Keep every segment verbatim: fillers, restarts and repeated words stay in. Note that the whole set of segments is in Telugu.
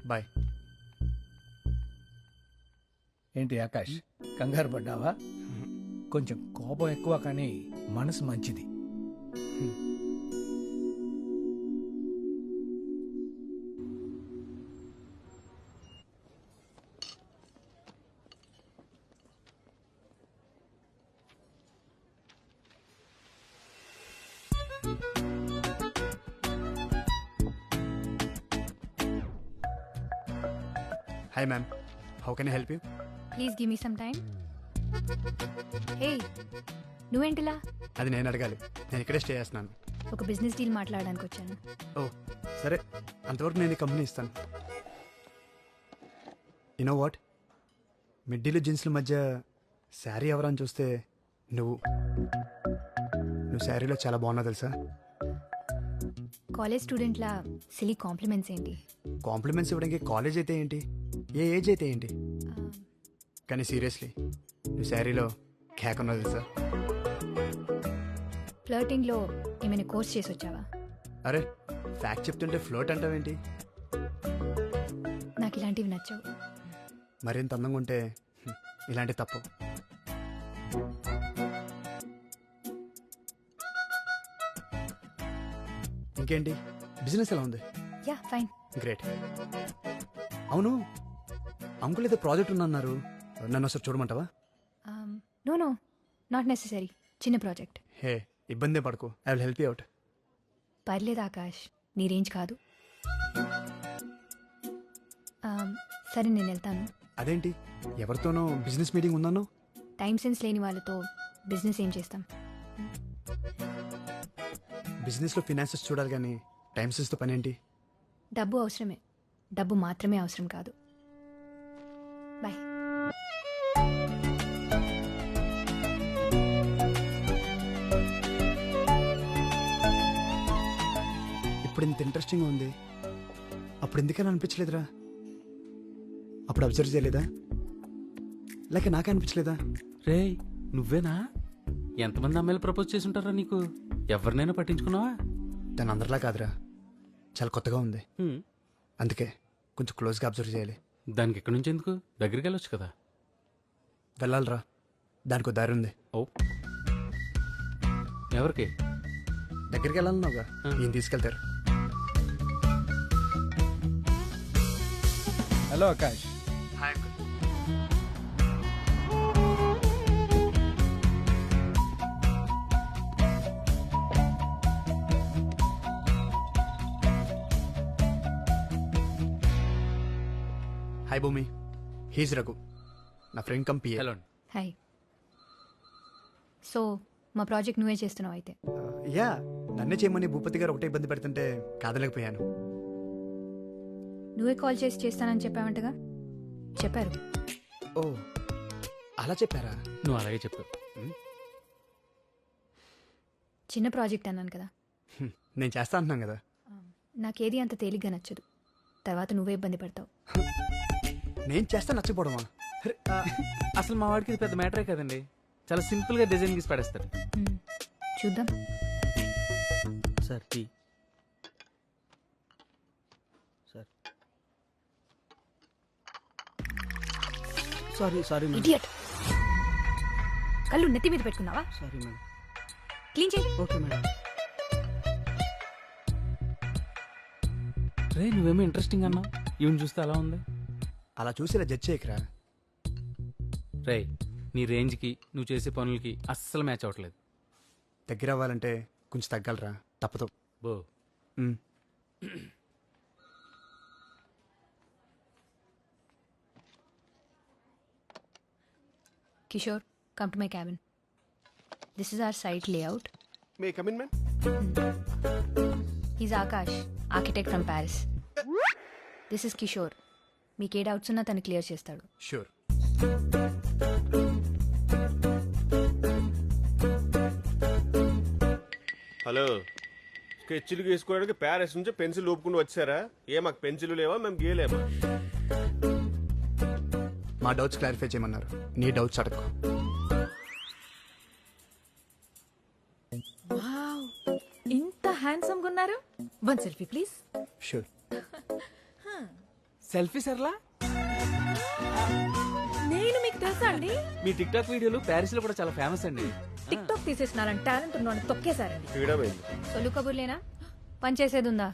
బాయ్. ఏంటి ఆకాష్, కంగారు పడ్డావా? కొంచెం కోపం ఎక్కువ, కానీ మనసు మంచిది. Hi ma'am, how can I help you? Please give me some time. Hey, నువ్వేంటిలా? అది నేను అడగాలి, నేను ఇక్కడే స్టే చేస్తున్నాను. ఒక బిజినెస్ డీల్ మాట్లాడడానికి వచ్చాను. ఓ సరే, అంతవరకు నేను ఈ కంపెనీ ఇస్తాను. యూనో వాట్, మిడ్డీలు జీన్స్ల మధ్య శారీ ఎవరని చూస్తే నువ్వు నువ్వు శారీలో చాలా బాగున్నావు తెలుసా. కాలేజ్ స్టూడెంట్లా సిలీ కాంప్లిమెంట్స్ ఏంటి? కాంప్లిమెంట్స్ ఇవ్వడానికి కాలేజ్ అయితే ఏంటి, ఏ ఏజ్ అయితే ఏంటి, కానీ సీరియస్లీ నువ్వు శారీలో క్యాక్ ఉన్నావు తెలుసా. ఫ్లర్టింగ్లో ఏమైనా కోర్స్ చేసి వచ్చావా? అరే, ఫ్యాక్ట్ చెప్తుంటే ఫ్లోట్ అంటావేంటి? నాకు ఇలాంటివి నచ్చవు. మరింత అందంగా ఉంటే హ్మ్, ఇలాంటి తప్పు. ఇంకేంటి, బిజినెస్ ఎలా ఉంది? Ya fine. గ్రేట్. అవును, అంకుల్ ఏదో ప్రాజెక్ట్ ఉందన్నారు, నన్ను ఒకసారి చూడమంటావా? No no, not necessary. చిన్న ప్రాజెక్ట్. హే, ఇబ్బందే పడకు, I will help you out. పర్లేదు ఆకాష్, నీ రేంజ్ కాదు. Um, సరే నేను వెళ్తాను. అదేంటి, ఎవరితోనో బిజినెస్ మీటింగ్ ఉందన్నో? టైం సెన్స్ లేని వాళ్ళతో బిజినెస్ ఏం చేస్తాం? బిజినెస్లో ఫినాన్సెస్ చూడాలి కానీ టైం సెన్స్తో పని ఏంటి? డబ్బు అవసరమే, డబ్బు మాత్రమే అవసరం కాదు. బాయ్. ఇప్పుడు ఇంత ఇంట్రెస్టింగ్ ఉంది, అప్పుడు ఎందుకని అనిపించలేదురా? అప్పుడు అబ్జర్వ్ చేయలేదా, లేక నాకే అనిపించలేదా? రే, నువ్వేనా? ఎంతమంది అమ్మాయిలు ప్రపోజ్ చేసి ఉంటారా నీకు? ఎవరినైనా పట్టించుకున్నావా? తను అందరిలా కాదురా, చాలా కొత్తగా ఉంది, హ్మ్. అందుకే కొంచెం క్లోజ్గా అబ్జర్వ్ చేయాలి. దానికి ఎక్కడి నుంచి ఎందుకు? దగ్గరికి వెళ్ళొచ్చు కదా. వెళ్ళాలిరా, దానికి ఒక దారి ఉంది. ఓ, ఎవరికి? దగ్గరికి వెళ్ళాలన్నావుగా, ఆ. ఈయన తీసుకెళ్తారు. Hello Akash. Hi uncle. Hi Bhoomi, he's Raghu, నా ఫ్రెండ్ కంపీ. హలో. హాయ్. సో మా ప్రాజెక్ట్ నువ్వే చేస్తున్నావు అయితే? యా, నన్నే చేయమని భూపతి గారు ఒకటే ఇబ్బంది పెడుతుంటే కాదలేకపోయాను. నువ్వే కాల్ చేసి చేస్తానని చెప్పావంటగా? చెప్పారు. ఓ, అలా చెప్పారా? నువ్వు అలాగే చెప్పు. చిన్న ప్రాజెక్ట్ అన్నాను కదా. హ్మ్, నేను చేస్తా అంటున్నాను కదా. నాకేది అంత తేలిగ్గా నచ్చదు, తర్వాత నువ్వే ఇబ్బంది పడతావు. నేను చేస్తా నచ్చపోవడమా? అరే, ఆ, అసలు మా వాడికి ఇది పెద్ద మ్యాటరే కదండి. చాలా సింపుల్ గా డిజైన్ గీసి పడేస్తాడు. మ్మ్. చూద్దాం. Sir tea. Sir sorry sorry madam. Idiot. కళ్ళు నెత్తి మీద పెట్టుకున్నావా? Sorry madam. క్లీన్ చేయి. Okay madam. రే, నువ్వేమో ఇంట్రెస్టింగ్ అన్నావు, ఈవెన్ చూస్తే అలా ఉంది. అలా చూసి ఇలా జడ్జ్ చేయకరా. రే, నీ రేంజ్కి నువ్వు చేసే పనులకి అస్సలు మ్యాచ్ అవ్వట్లేదు. దగ్గర అవ్వాలంటే కొంచెం తగ్గలరా, తప్పదు. బో. మ్. Kishore, come to my cabin. This is our site layout. May I come in, ma'am? He's Akash, architect from Paris. This is Kishore. మీకు ఏ డౌట్స్ ఉన్నా తను క్లియర్ చేస్తాడు. షూర్. హలో, స్కెచ్లు గీసుకోవడానికి ప్యారిస్ నుంచి పెన్సిల్ ఊపుకుంటూ వచ్చారా? ఏ మాకు పెన్సిల్ లేవా, మేము గీయలేమా? మా డౌట్స్ క్లారిఫై చేయమన్నారు, నీ డౌట్స్ అడగకు. వావ్, ఇంత హ్యాండ్సమ్ గా ఉన్నారు. One selfie please. Sure. Selfie Sarla నేను మీకు తెలుసా అండి? మీ టిక్ టాక్ వీడియోలు ప్యారిస్ లో కూడా చాలా ఫేమస్ అండి. టిక్ టాక్ తీసేసినారని టాలెంట్ ఉన్నాను తొక్కేశారండి. ఫ్రీడమ్ అయింది. సొల్లు కబుర్లేనా పని చేసేది ఉందా?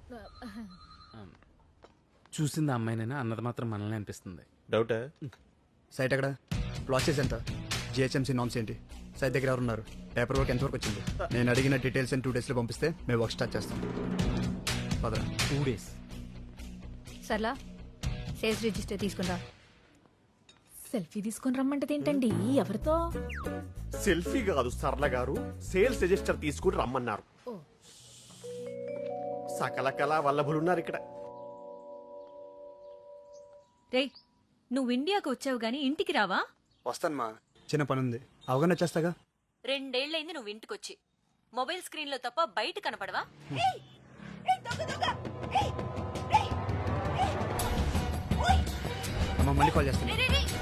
చూసింది అమ్మాయినైనా అన్నది మాత్రం మనల్ని అనిపిస్తుంది. డౌటా? సైట్ ఎక్కడ? ప్రాసెస్ ఎంత? జిహెచ్ఎంసీ నామ్స్ ఏంటి? సైట్ దగ్గర ఎవరు ఉన్నారు? పేపర్ వర్క్ ఎంతవరకు వచ్చింది? నేను అడిగిన డీటెయిల్స్ టూ డేస్లో పంపిస్తే మేము వర్క్ స్టార్ట్ చేస్తాం. పదరా. Two days Sarla sales register తీసుకుంటా. సెల్ఫీ తీసుకొని రమ్మంటది ఏంటండి? ఎవరితో? సెల్ఫీ కాదు సర్ల గారు, సేల్స్ రిజిస్టర్ తీసుకుని రమ్మన్నారు. సకల కళా వల్లభులున్నారు ఇక్కడ. రేయ్ నువ్వు ఇండియాకు వచ్చావు గాని ఇంటికి రావా? వస్తాను మా, చిన్న పని ఉంది, అవగానే వచ్చేస్తాగా. రెండేళ్లైంది నువ్వు ఇంటికొచ్చి. మొబైల్ స్క్రీన్ లో తప్ప బయట కనపడవా? అమ్మ మళ్ళీ కాల్ చేస్తాను.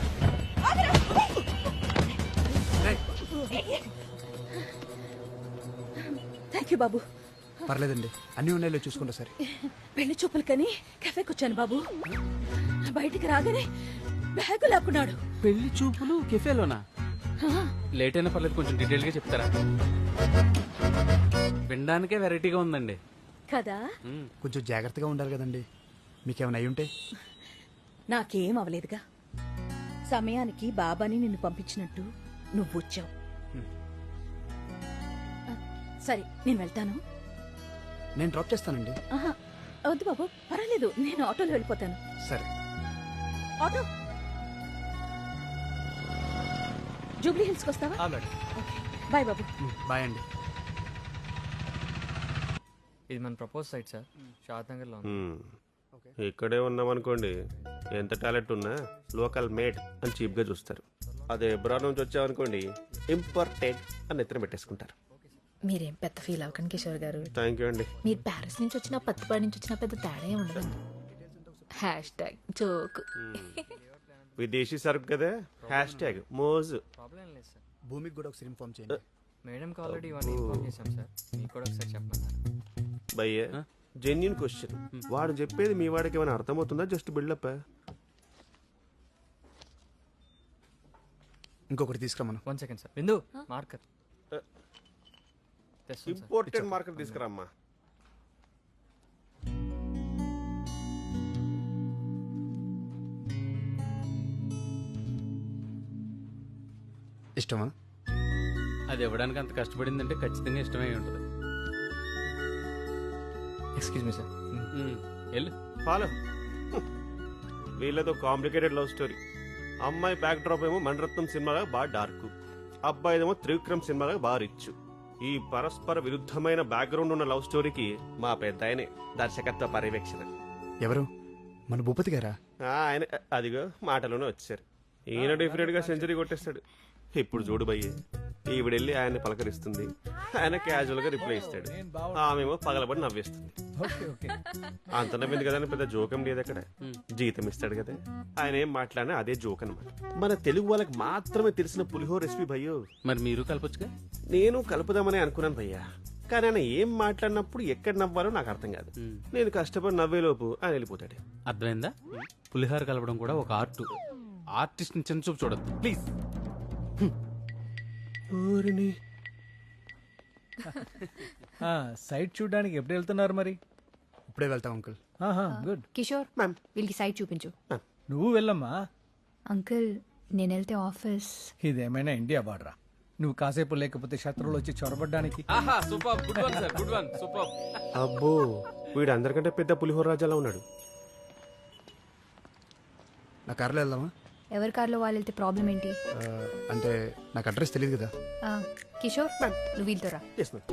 థ్యాంక్ యూ బాబు. పర్లేదండి, అన్ని ఉన్నాయో చూసుకుంటా సరే. పెళ్లి చూపులు కని కెఫేకి వచ్చాను బాబు. బయటికి రాగానే బ్యాగు లాక్కున్నాడు. పెళ్లి చూపులు కెఫేలోనా? లేట్ అయినా పర్లేదు, కొంచెం డీటెయిల్ గా చెప్తారా? వినడానికే వెరైటీగా ఉందండి. కదా, మ్మ్. కొంచెం జాగ్రత్తగా ఉండాలి కదండి. మీకేమైనా అయి ఉంటే? నాకేం అవలేదుగా. సమయానికి బాబాని నిన్ను పంపించినట్టు నువ్వు వచ్చావు. సరే నేను వెళ్తాను. నేను డ్రాప్ చేస్తానండి. ఆహా, వద్దు బాబు, పర్వాలేదు, నేను ఆటోలో వెళ్ళిపోతాను. సరే. ఆటో జూబ్లీ హిల్స్కి వస్తావా? మేడం. బాయ్ బాబు. బాయ్ అండి. ఇది మన propose site sir, Shadnagar లో ఉంది. హ్మ్. ఇక్కడే ఉన్నాం అనుకోండి, ఎంత టాలెంట్ ఉన్నా లోకల్ మేడ్ అని చీప్ గా చూస్తారు. అదే ఎబ్రాడ్ నుంచి వచ్చామనుకోండి, ఇంపార్టెంట్ అని ఎత్తున పెట్టేసుకుంటారు. మీరేం పెద్ద ఫీల్ అవ్వకండి కిషోర్ గారు. థ్యాంక్ యూ అండి. మీరు ప్యారిస్ నుంచి వచ్చినా పత్తిపాడి నుంచి వచ్చినా పెద్ద తేడా ఏం ఉండదండి. Hashtag joke. విదేశీ సరుకు కదా, హ్యాష్ ట్యాగ్ మోజు. ప్రాబ్లం ఏం లేదు సార్. భూమికి కూడా ఒకసారి ఇన్ఫార్మ్ చేయండి. మేడంకి ఆల్రెడీ ఇవన్నీ ఇన్ఫార్మ్ చేశాం సార్, మీకు కూడా ఒకసారి చెప్పమన్నారు. భయ్య జెన్యున్ క్వశ్చన్, వాడు చెప్పేది మీ వాడికి ఏమైనా అర్థమవుతుందా? Just buildup. ఇంకొకటి తీసుకురమ్మను. One second sir. Bindu marker important market తీసుకురామ్మా. ఇష్టమా? అది ఇవ్వడానికి అంత కష్టపడిందంటే ఖచ్చితంగా ఇష్టమై ఉంటుంది. Excuse me sir. మ్మ్. వెళ్ళు. ఫాలో. వీళ్ళతో కాంప్లికేటెడ్ లవ్ స్టోరీ. అమ్మాయి బ్యాక్ డ్రాప్ ఏమో మణరత్నం సినిమాగా బాగా డార్క్, అబ్బాయిదేమో త్రివిక్రమ్ సినిమాగా బాగా రిచ్. ఈ పరస్పర విరుద్ధమైన బ్యాక్గ్రౌండ్ ఉన్న లవ్ స్టోరీకి మా పెద్ద ఆయనే దర్శకత్వ పర్యవేక్షణ. ఎవరు? మన భూపతి గారా? ఆ, ఆయన అదిగో మాటలోనే వచ్చారు. ఈయన డెఫినెట్ గా సెంచరీ కొట్టేస్తాడు. ఇప్పుడు చూడు భయ్య, ఈవిడెళ్ళి ఆయన్ని పలకరిస్తుంది, ఆయన క్యాజువల్ గా రిప్లై ఇస్తాడు, ఆమెమో పగలబడి నవ్వేస్తుంది. అంత నవ్వింది కదా అని పెద్ద జోకం లేదు అక్కడ. జీతం ఇస్తాడు కదా, ఆయన ఏం మాట్లాడినా అదే జోక్ అనమాట. మన తెలుగు వాళ్ళకి మాత్రమే తెలిసిన పులిహోర రెసిపీ భయ్యో. మరి మీరు కలపొచ్చుగా. నేను కలుపుదామని అనుకున్నాను భయ్యా, కానీ ఆయన ఏం మాట్లాడినప్పుడు ఎక్కడ నవ్వాలో నాకు అర్థం కాదు. నేను కష్టపడి నవ్వేలోపు ఆయన వెళ్ళిపోతాడు. అర్థమైందా? పులిహార కలపడం కూడా ఒక ఆర్ట్. ఆర్టిస్ట్ ని చిన్న చూపు చూడద్దు ప్లీజ్. సైట్ చూడడానికి ఎప్పుడు వెళ్తున్నారు మరి? ఇప్పుడే వెళ్తాం అంకుల్. గుడ్. కిషోర్ వీళ్ళకి సైట్ చూపించు. నువ్వు వెళ్ళమ్మా. అంకుల్ నేను వెళ్తే ఆఫీస్. ఇదేమైనా ఇండియా బార్డరా? నువ్వు కాసేపు లేకపోతే శత్రువులు వచ్చి చొరబడ్డానికి. ఆహా super, good one sir, good one, super. అబ్బో, వీడు అందరికంటే పెద్ద పులిహోర రాజాలా ఉన్నాడు. నా కార్లో వెళ్దామా? ఎవరి కార్లో వాళ్ళు వెళ్తే ప్రాబ్లం ఏంటి? ఆ, అంటే నాకు అడ్రస్ తెలియదు కదా. ఆ, కిషోర్ నువ్వు వీళ్ళతో రా. Yes, ma'am.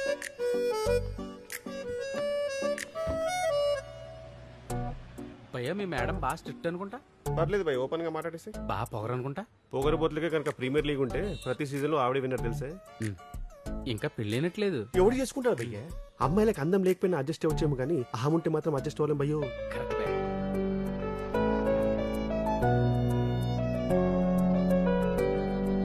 భయ్యా మీ మేడం బాగా స్ట్రిక్ట్ అనుకుంటా. పర్లేదు భయ్, ఓపెన్ గా మాట్లాడేసి. బాగా పొగరనుకుంటా. పొగరబోతులకే కనుక ప్రీమియర్ లీగ్ ఉంటే ప్రతి సీజన్ లో ఆవిడ విన్నర్ తెలుసా? ఇంకా పెళ్ళైనట్లేదు. ఎవడు చేసుకుంటారు భయ్య? అమ్మాయిలకు అందం లేకపోయినా అడ్జస్ట్ అవ్వచ్చేమో కానీ అహం ఉంటే మాత్రం అడ్జస్ట్ అవ్వలేం భయ్యో. కరెక్ట్.